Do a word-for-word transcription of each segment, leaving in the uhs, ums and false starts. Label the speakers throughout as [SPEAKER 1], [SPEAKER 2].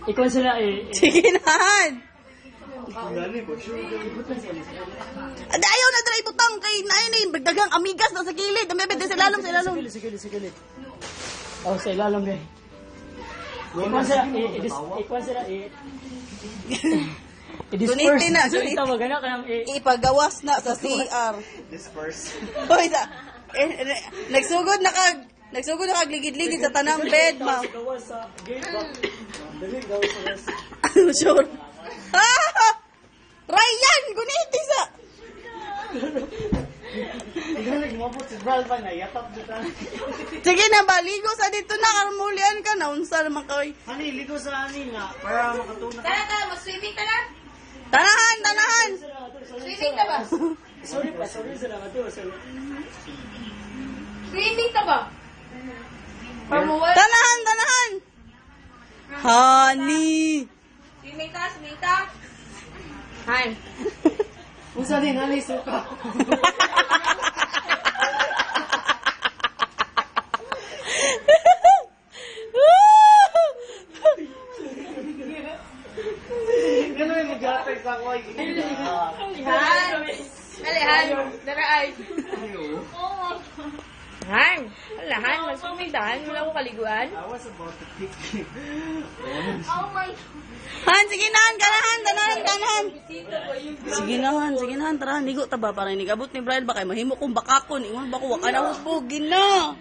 [SPEAKER 1] Ikaw sila eh.
[SPEAKER 2] Sige nahan. Ada ayaw na try butang kay nain eh. Dagang amigas na sa kilid. Amebet sa ilalom, sa ilalom.
[SPEAKER 1] Sige, sige, sige. Oh, sa ilalom eh. Ikaw sila eh. Ikaw sila eh.
[SPEAKER 2] Gunitin na, gunitin.
[SPEAKER 1] Ito, magana ka ng eh.
[SPEAKER 2] Ipagawas na sa C R.
[SPEAKER 3] Disperse.
[SPEAKER 2] Hoy, sa... Eh, eh, nagsugod na kag... Nagsugod na kag ligid-ligid sa tanang bed, ma.
[SPEAKER 1] Gawas sa gate ba? Dali, gawas sa gas.
[SPEAKER 2] Ano, sure? Ah! Ryan! Guniti sa...
[SPEAKER 1] Ikaw nagmabot si Bral pa na. Yatap dito.
[SPEAKER 2] Sige na ba, ligo sa dito na. Karmulian ka na. Unsa naman kay...
[SPEAKER 1] Ani, ligo sa ani nga. Para makatuna.
[SPEAKER 4] Tara, tara, mag-swimming ka na?
[SPEAKER 2] Tanahan, tanahan!
[SPEAKER 4] Swimming ka ba?
[SPEAKER 1] Sorry pa, sorry sa lang ito. Sorry.
[SPEAKER 4] Swimming ka ba? Pamuwal?
[SPEAKER 2] Tanahan, tanahan! Honey!
[SPEAKER 4] Swimming ka, swimming ka. Hi.
[SPEAKER 1] Unsa din, ani, suka. Gano'n yung mag-atay sa ako.
[SPEAKER 4] Han. Alihan. Dara ay. Han. Alahan. Mag-swimming dahan. Wala ko kaliguan.
[SPEAKER 1] I was about to pick you.
[SPEAKER 4] Oh my.
[SPEAKER 2] Han, sige nahan, kanahan, tanahan, tanahan. Sige nahan, sige nahan, tara, ligo ta ba para inigabot ni Brian ba kay mahimo kong bakakon. Ingon ba ko, waka na husbugin na.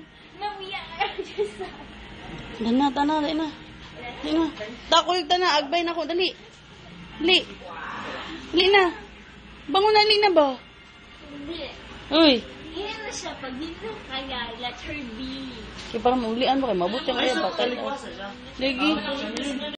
[SPEAKER 2] Dana, tana, dali na. Dali na. Takol ta na, agbay na ko, dali. Dali. Dali na. Bangon na, dali na ba?
[SPEAKER 5] Hindi.
[SPEAKER 2] Uy.
[SPEAKER 5] Hindi na siya. Pag dito kaya, let her be.
[SPEAKER 2] Kaya parang maulian ba kay mabuti ang kaya batay.
[SPEAKER 1] Kaliguasa siya.
[SPEAKER 2] Lagi.